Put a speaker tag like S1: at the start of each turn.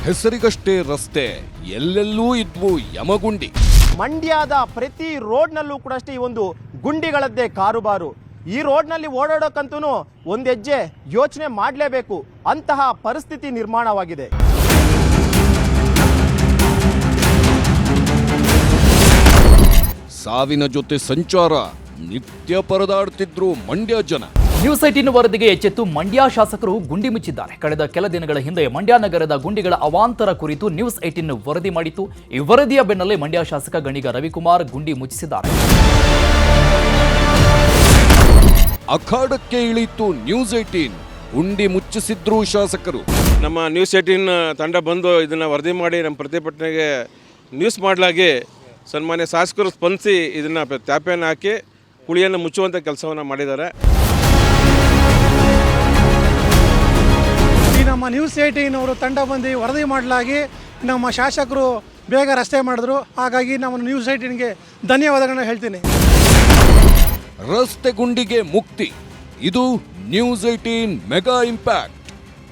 S1: ಹೆಸರಿಗಷ್ಟೇ ರಸ್ತೆ, ಎಲ್ಲೆಲ್ಲೂ ಇದ್ವು ಯಮಗುಂಡಿ.
S2: ಮಂಡ್ಯದ ಪ್ರತಿ ರೋಡ್ನಲ್ಲೂ ಕೂಡ ಅಷ್ಟೇ ಈ ಒಂದು ಗುಂಡಿಗಳದ್ದೇ ಕಾರುಬಾರು. ಈ ರೋಡ್ನಲ್ಲಿ ಓಡಾಡೋಕ್ಕಂತೂ ಒಂದು ಹೆಜ್ಜೆ ಯೋಚನೆ ಮಾಡಲೇಬೇಕು, ಅಂತಹ ಪರಿಸ್ಥಿತಿ ನಿರ್ಮಾಣವಾಗಿದೆ.
S1: ಸಾವಿನ ಜೊತೆ ಸಂಚಾರ, ನಿತ್ಯ ಪರದಾಡ್ತಿದ್ರು ಮಂಡ್ಯ ಜನ.
S3: ನ್ಯೂಸ್ 18 ವರದಿಗೆ ಎಚ್ಚೆತ್ತು ಮಂಡ್ಯ ಶಾಸಕರು ಗುಂಡಿ ಮುಚ್ಚಿದ್ದಾರೆ. ಕಳೆದ ಕೆಲ ದಿನಗಳ ಹಿಂದೆ ಮಂಡ್ಯ ನಗರದ ಗುಂಡಿಗಳ ಅವಾಂತರ ಕುರಿತು ನ್ಯೂಸ್ 18 ವರದಿ ಮಾಡಿತ್ತು. ಈ ವರದಿಯ ಬೆನ್ನಲ್ಲೇ ಮಂಡ್ಯ ಶಾಸಕ ಗಣಿಗ ರವಿಕುಮಾರ್ ಗುಂಡಿ ಮುಚ್ಚಿಸಿದ್ದಾರೆ.
S1: ಅಖಾಡಕ್ಕೆ ಇಳಿತು ನ್ಯೂಸ್ 18, ಗುಂಡಿ ಮುಚ್ಚಿಸಿದ್ರು ಶಾಸಕರು.
S4: ನಮ್ಮ ನ್ಯೂಸ್ 18 ತಂಡ ಬಂದು ಇದನ್ನು ವರದಿ ಮಾಡಿ ನಮ್ಮ ಪ್ರತಿಭಟನೆಗೆ ನ್ಯೂಸ್ ಮಾಡಲಾಗಿ ಸನ್ಮಾನ್ಯ ಶಾಸಕರು ಸ್ಪಂದಿಸಿ ಇದನ್ನು ತ್ಯಾಪೆಯನ್ನು ಹಾಕಿ ಕುಳಿಯನ್ನು ಮುಚ್ಚುವಂಥ ಕೆಲಸವನ್ನು ಮಾಡಿದ್ದಾರೆ.
S5: ಈ ನಮ್ಮ ನ್ಯೂಸ್ 18 ಅವರು ತಂಡ ಬಂದು ವರದಿ ಮಾಡಲಾಗಿ ನಮ್ಮ ಶಾಸಕರು ಬೇಗ ರಸ್ತೆ ಮಾಡಿದ್ರು. ಹಾಗಾಗಿ ನಮ್ಮ ನ್ಯೂಸ್ 18ಗೆ ಧನ್ಯವಾದಗಳನ್ನ ಹೇಳ್ತೀನಿ.
S1: ರಸ್ತೆ ಗುಂಡಿಗೆ ಮುಕ್ತಿ, ಇದು ನ್ಯೂಸ್ 18 ಮೆಗಾ ಇಂಪ್ಯಾಕ್ಟ್.